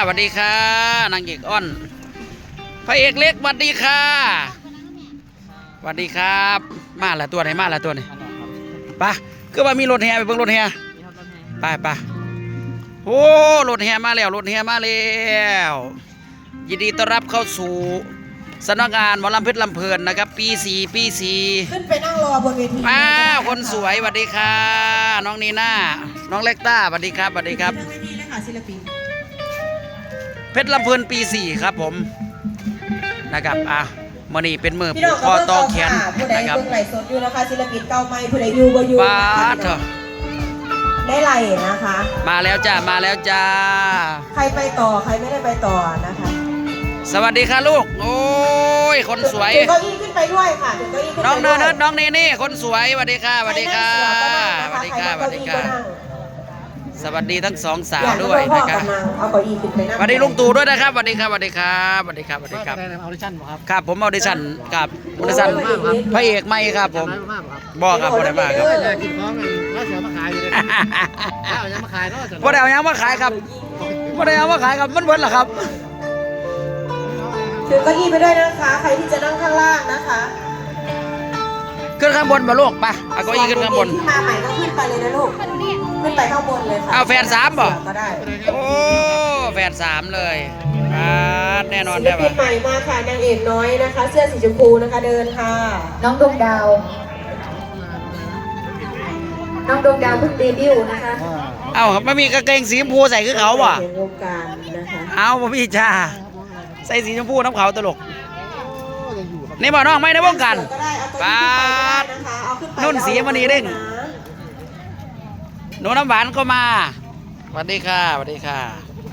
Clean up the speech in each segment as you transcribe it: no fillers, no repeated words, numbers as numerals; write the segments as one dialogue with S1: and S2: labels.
S1: สวัสดีค่ะนางเอกอ้อนพระเอกเล็กสวัสดีค่ะสวัสดีครับมาละตัวไหนมาละตัวไหนปะคือว่ามีรถแห่ไปเบิ่งรถแห่ไปโอ้รถแห่มาแล้วรถแห่มาแล้วยินดีต้อนรับเข้าสู่สำนักงานหมอลำเพชรลำเพลินนะครับปี 4
S2: ขึ้นไปนั่งรอบนเวที
S1: อ้าวคนสวยสวัสดีค่ะน้องนีน่าน้องเล็กต้าสวัสดีครับสวัสดีครับเพชรลำเพลินปี 4ครับผมนะครับมื่อนี้เป็นมือผูกคอต่อแขนนะครับ
S2: ผู้ใดเบิ่งไหลสดอยู่นะคะศิลปินเก่าใหม่ผู้ใดอยู่บ่อยู่
S1: ป้าเถอะ
S2: ได้ไหลนะคะ
S1: มาแล้วจ้ามาแล้วจ้า
S2: ใครไปต่อใครไม่ได้ไปต่อนะคะ
S1: สวัสดีค่ะลูกโอ้ยคนสวย
S2: เก้าอี้ขึ้นไปด้วยค่ะเก้าอี้ขึ้นไป
S1: น้องเนิร์ดน้องเนนี่คนสวยสวัสดีค่ะสวัสดีค่ะสวัสดีค่ะสวัสดีค่ะสวัสดีทั้งสองสาวด้วยนะครับ
S2: เอาเก้าอี้ขึ้นไปนั่ง
S1: สวัสดีลุงตู่ด้วยนะครับสวัสดีครับสวัสดีครับสวัสดีครับสวัสดีครับ
S3: ออดิชั่นครับ
S1: ครับผมออดิชั่นครับออดิชั่นพระเอกไม่ครับผมบอกครับบ่ได้มาครับ
S3: กินของแล้วเสือมาขายอยู่เลยแล้วยังมาขายก็จะ
S1: บ่ได้เอายังมาขายครับบ่ได้เอามาขายครับมันเบิดเหรอครับ
S2: ถือเก้าอี้ไปด้วยนะคะใครที่จะนั่งข้างล่างนะคะ
S1: ขึ้นข้างบนมาลูกไปเอาเก้าอี้ขึ้นข้างบน
S2: ที่มาใหม่ก็ขึ้นไปเลยนะลูกขึ้นไปข้างบนเลยค่ะ
S1: เอาแฟน3บ่
S2: ก็ได้
S1: โอ้แฟน3เลยแน่นอน
S2: ศิลปินใหม่มาค่ะนางเอกน้อยนะคะเสื้อสีชมพูนะคะเดินค่ะน้องดวงดาวเพิ่งเดบิวต์นะคะ
S1: เอาไม่มีกางเกงสีชมพูใส่คือเขาบ่
S2: วงการนะคะ
S1: เอาบ่พี่จ้าใส่สีชมพูน้ำเขาตลกนี่บ่น้องไม่ได้วงการป้านุ่นสีมันนี่เด้งหนูน้ำหวานก็มาสวัสดีค่ะสวัสดีค่ะ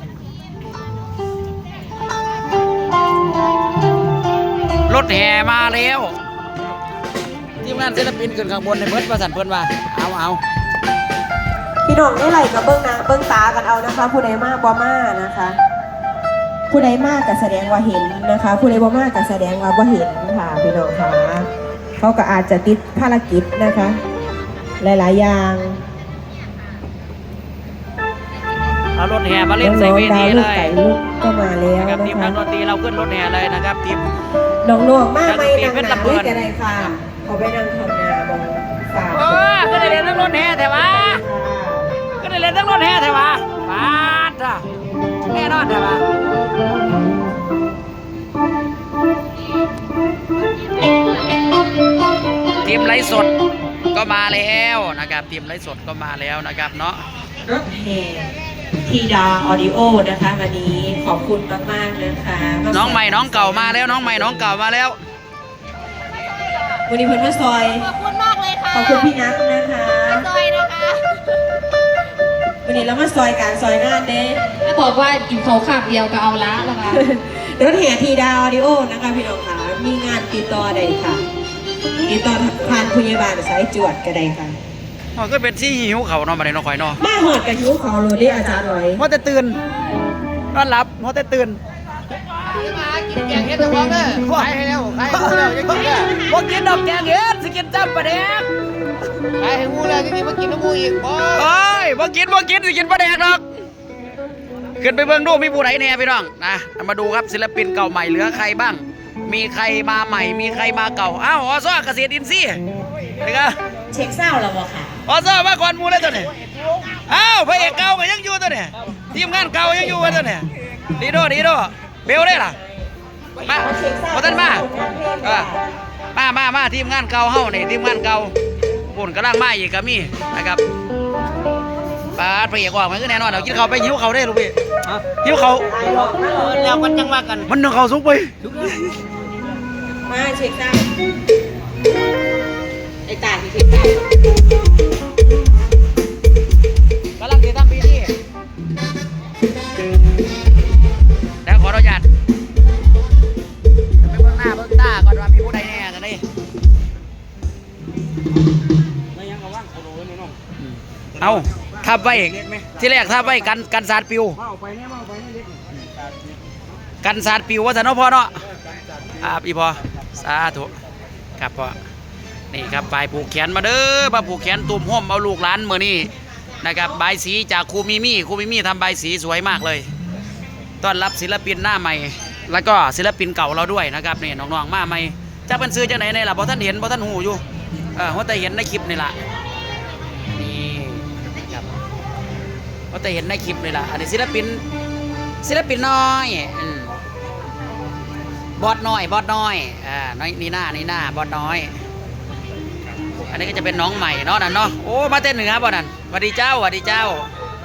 S1: รถแห่มาแล้วทีมงานศิลปินขึ้นข้างบนในเบิร์ดประสันเพื่อนว่าเอา
S2: พี่น้องได้ไหลกับเบิ้งนะเบิ้งตากันเอานะคะผู้ใดมากบ่มานะคะผู้ใดมากก็แสดงว่าเห็นนะคะผู้ใดบ่มากก็แสดงว่าบ่เห็นค่ะพี่น้องค่ะเขาก็อาจจะติดภารกิจนะคะหลายๆอย่าง
S1: เอารถแห่มาเล่นใส่เวทีเลย
S2: ลูกก็มาแล้วนะคะ
S1: ทีมนักดนตรีเราขึ้นรถแห่เลยนะครับทีม
S2: น้องๆมากไม่นั่งหนาด้วยกันเลยค่ะเขาไปนั่งทำงานบนศาล
S1: ก็ได้เล่นทั้งรถแห่แต่ว่าก็ได้เล่นทั้งรถแห่แต่ว่ามาจ้ะแน่นอนแต่ว่าทีมไลฟ์สดก็มาแล้วนะครับทีมไลฟ์สดก็มาแล้วนะครับเนาะ
S2: รถแห่ทีดาออดิโอนะคะวันนี้ขอบคุณมากๆนะคะ
S1: น้องใหม่น้องเก่ามาแล้วน้องใหม่น้องเก่ามาแล้ว
S2: วันนี้เพื่อนมาซอย
S4: ขอบคุณมากเลยค่ะ
S2: ขอบคุณพี่นัทนะคะ
S4: ซอยนะคะ
S2: วันนี้เรามาซอยการซอยงานเด้
S4: ถ้าบอกว่ากินเขาขับเดียวก็เอาละนะคะ
S2: รถแห่ทีดาออดิโอนะคะพี่น้องค่ะมีงานติดต่อใดค่ะติดต่อผ่านพยาบาลสายจวดก็ได้ค่ะ
S1: ก็เป็นที่หิวเขาเนาะมาเลยเนาะข่อยเนาะ
S2: มาหอดกับหิวเขาโรดี้อาจารย์หน่อย
S1: เพราะแต่ตื่นนอนหลับเพราะแต่ตื่น
S3: มากินแกงเห็ดตะวันเลยขายให้แล้วขายให้แล้วยังกินได้
S1: พวกกินดอกแกงเห็ดสกินจับปลาแดก
S3: ขายให้งูแล้วจริงๆมากินน้ำงูอีก
S1: เฮ้ยพวกกินสกินปลาแดกหรอกขึ้นไปเบิ่งดูมีผู้ไหนเนี่ยพี่น้องนะมาดูครับศิลปินเก่าใหม่เหลือใครบ้างมีใครมาใหม่มีใครมาเก่าอ้าวอสเกษตรอินทรีย์นะครับ
S2: เช็คเศร้าแล้วบ่ค่ะ
S1: อสมาก่อนมูเลยตัวนี้อ้าวพระเอกเก่าก็ยังอยู่ตัวนี้ทีมงานเก่ายังอยู่ตัวนี้ดีโดเบลได้ล่ะมาพอท่านมาทีมงานเก่าเฮ้านี่ทีมงานเก่าปุ่นกำลังมาอีกก็มีนะครับป้าพระเอกว่ามันก็แน่นอนเรากินเขาไปหิวเขาได้ลูกพี่หิวเขา
S3: แล้วมันจังว่ากัน
S1: มันนึ่งเขาสุกไป
S2: มาเช็คได้ไอ้ตาที่เช็คได้
S1: กำลังติดตามปีนี้แล้วขออนุญาตไปเบื้องหน้าเบื้องตาก่อนว่ามีผู้ใดแน่กันนี่เอาทับไว้ที่แรกทับไว้กันสาดปิวกันสาดปิวว่าจะน้องพ่อเนาะอีพอสาธุครับพ่อนี่ครับปลายผูกแขนมาเด้อมาผูกแขนตุ่มห่มเอาลูกหลานเมื่อนี้นะครับใบสีจากครูมิมี่ทำใบสีสวยมากเลยต้อนรับศิลปินหน้าใหม่ แล้วก็ศิลปินเก่าเราด้วยนะครับนี่น้องๆมาใหม่จะเป็นซื้อจากไหนเนี่ยล่ะบ่ท่านเห็นบ่ท่านหูอยู่ว่าแต่เห็นในคลิปนี่ล่ะนี่ครับว่าแต่เห็นในคลิปนี่ล่ะอันนี้ศิลปินน้อยบอสน้อยน้อยนี่หน้าบอสน้อยอันนี้ก็จะเป็นน้องใหม่เนาะนั่นเนาะโอ้มาเต้นเหนือบ่นั่นสวัสดีเจ้าสวัสดีเจ้า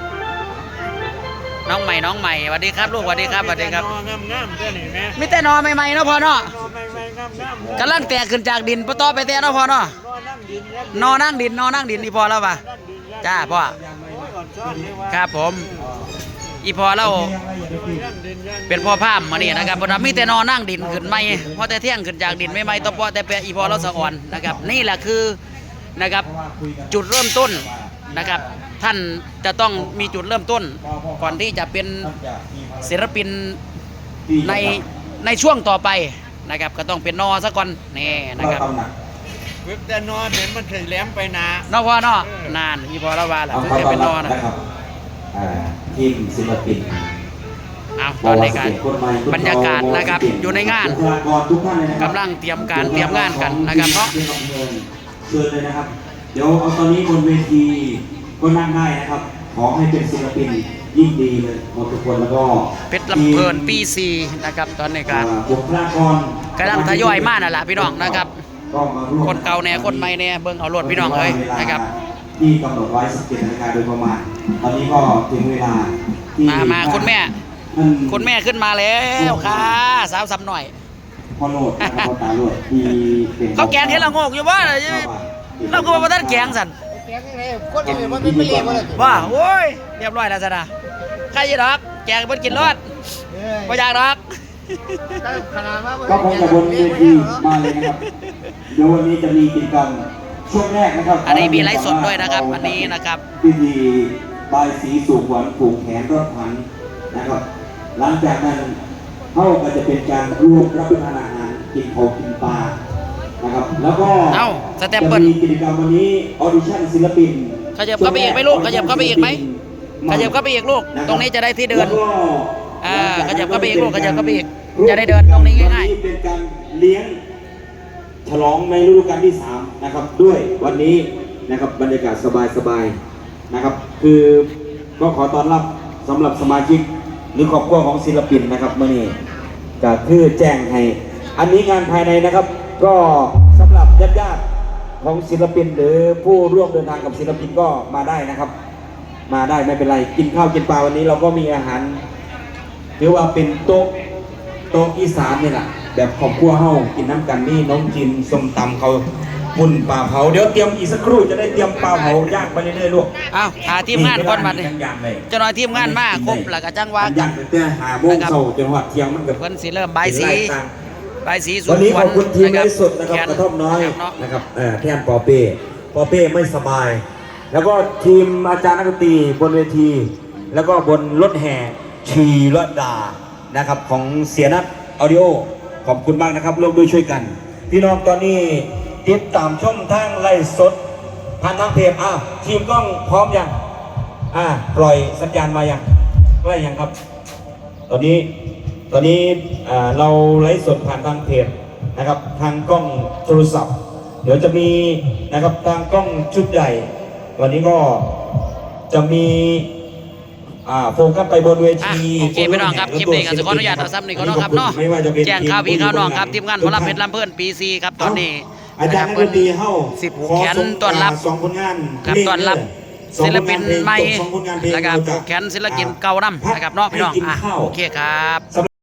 S1: น้องใหม่สวัสดีครับลูกสวัสดีครับสวัสดีครับ
S3: งามๆเด้อนี่แม่
S1: มีแต่นอใหม่ๆเนาะพ่อเนาะ
S3: ไม่งามๆ
S1: กำลังแตกขึ้นจากดินปะต่อไปแต่เนาะพ่อเนาะ นอนั่งดินนี่พอแล้วป่ะจ้าพ่อครับผมอีพอเราเป็นพ่อพามมานี่นะครับเพราะมีแต่นอนั่งดินขึ้นไม่พอแต่เที่ยงขึ้นจากดินไม่ต่อพอแต่เปียอีพอเราสะอ่อนนะครับนี่แหละคือนะครับจุดเริ่มต้นนะครับท่านจะต้องมีจุดเริ่มต้นก่อนที่จะเป็นศิลปินในช่วงต่อไปนะครับก็ต้องเป็นนอซะก่อนนี่นะครับ
S3: เว็บแต่นอนเห็นมันเคยแหลมไปนะ
S1: นอพ่อนอนานอีพอเราว่าแหละถึงจะเป็นนอนะ
S5: ทีมศิลปิน
S1: เอาตอนในการบรรยากาศนะครับอยู่ในงานกำลังเตรียมงานกันนะครับเนาะ
S5: เชิญเลยนะครับเดี๋ยวเอาตอนนี้บนเวทีก็นั่งได้นะครับขอให้เป็นศิลปินยิ่งดีเลยหมดทุกคนแล้วก็
S1: เพชรลำเพลินปี4นะครับตอนในการ
S5: บุคลากร
S1: กำลังทยอยมานั่นแหละพี่น้องนะครับ
S5: ก็มาร่วม
S1: คนเก่าแน่คนใหม่แน่เบิ่งเอารถพี่น้องเลยนะครับ
S5: ที่กำหนดไว้17 นาฬิกาโดยประมาณตอนนี้ก็ถึงเวลาที่
S1: มาคุณแม่
S5: ท่าน
S1: คุณแม่ขึ้นมาแล้วค่ะสาวซ้ำหน่อย
S5: พ่อโลดนะครับพ่อตาโลดที่เป็น
S1: เขาแกงเห็นเราโงกอยู่ว่าเราก็ว่าท่านแกงสัน
S3: แกงยังไงคนอื่นมันไม่เรียกว่าเลย
S1: ว่าโอ้ยเรียบร้อยแล้วสินะใครจะรักแกงเพิ่นกินรอดไม่อยากรัก
S3: ขนาดว่า
S5: ก็คงจะบนเวทีมาเลยนะครับเดี๋ยววันนี้จะมีกิจกรรมช่วงแรกนะครับ
S1: อันนี้มีไลฟ์สดด้วยนะครับอันนี้นะครับ
S5: พิธีบายสีสูงหวานผูกแขนรถผันนะครับหลังจากนั้นเขาก็จะเป็นการร่วมรับประทานอาหารกินข้าวกินปลานะครับแล้วก็
S1: เอ้าสเต็ปเปิ้ล
S5: จะมีกิจกรรมวันนี้ออดิชั่นศิลปิน
S1: ขยับเข้าไปอีกไหมลูกขยับเข้าไปอีกไหมขยับเข้าไปอีกลูกตรงนี้จะได้ที่เดิน
S5: แล้วก็
S1: ขยับเข้าไปอีกลูกขยับเข้าไปอีกจะได้เดินตรงนี้ง่าย
S5: วันนี้เป็นการเลี้ยงฉลองในฤดูกาลที่3นะครับด้วยวันนี้นะครับบรรยากาศสบายๆนะครับคือก็ขอต้อนรับสำหรับสมาชิกหรือครอบครัวของศิลปินนะครับเมื่อนี้ก็คือแจ้งให้อันนี้งานภายในนะครับก็สำหรับญาติๆของศิลปินหรือผู้ร่วมเดินทางกับศิลปินก็มาได้นะครับ มาได้ไม่เป็นไรกินข้าวกินปลาวันนี้เราก็มีอาหารถือว่าเป็นโต๊ะอีสานนี่แหละแบบครอบครัวเฮากินน้ำกันนี่น้องจินส้มตำเขาปุ่นปลาเผาเดี๋ยวเตรียมอีกสักครู่จะได้เตรียมปลาเผาย่างไปเรื่อยๆลูก
S1: ๆเอาหาทีมงานก่อนบัดนี้
S5: ย่างเลย
S1: เจ้าหน่อยทีมงานมาครบแล้วก็จังว่ากั
S5: ย่าน งแต่หาโมงเช้าจนหัดเที่ยงมันกับ
S1: เพิ่นสิเริ่มใบายสีใบายสีสุ
S5: วันนี้ขอบคุณทีม
S1: นะ
S5: ไลฟ์สดนะครับ
S1: แข
S5: กระท่อมน้อย
S1: เนาะ
S5: นะครับแทนปอเป้ไม่สบาย แล้วก็ทีมอาจารย์นักดนตรีบนเวที แล้วก็บนรถแห่ชีรดานะครับของเสียนัทออดิโอขอบคุณมากนะครับร่วมด้วยช่วยกัน พี่น้องตอนนี้ติดตามช่องทางไลฟ์สดผ่านทางเพจทีมกล้องพร้อมยังปล่อยสัญญาณมายังได้ยังครับ ตอนนี้เราไลฟ์สดผ่านทางเพจนะครับทางกล้องโทรศัพท์ เดี๋ยวจะมีนะครับทางกล้องชุดใหญ่ วันนี้ก็จะมีโฟกัสไปบนเวที
S1: โอเคพี่น้องครับคลิปนี้ก็ขออนุญาตเอาซ้ำนี่ก็เนาะครับเนาะ
S5: ไม่ว่าจะเป็น
S1: แจ้งข่าวพี่ข่าวน้องครับทีมงานหมอลำเพชรลำเพิ่นปี4ครับตอนนี้
S5: อาจารย์นักดนตรีเฮ้า
S1: สิบผูกแขนต้อนรับ
S5: สองผลงาน
S1: ครับต้อนรับศิลปินใหม่
S5: สองผลงานเพลง
S1: นะครับผูกแขนศิลปินเก่านำนะครับเนาะพี่น้องโอเคครับ
S5: สำหรับ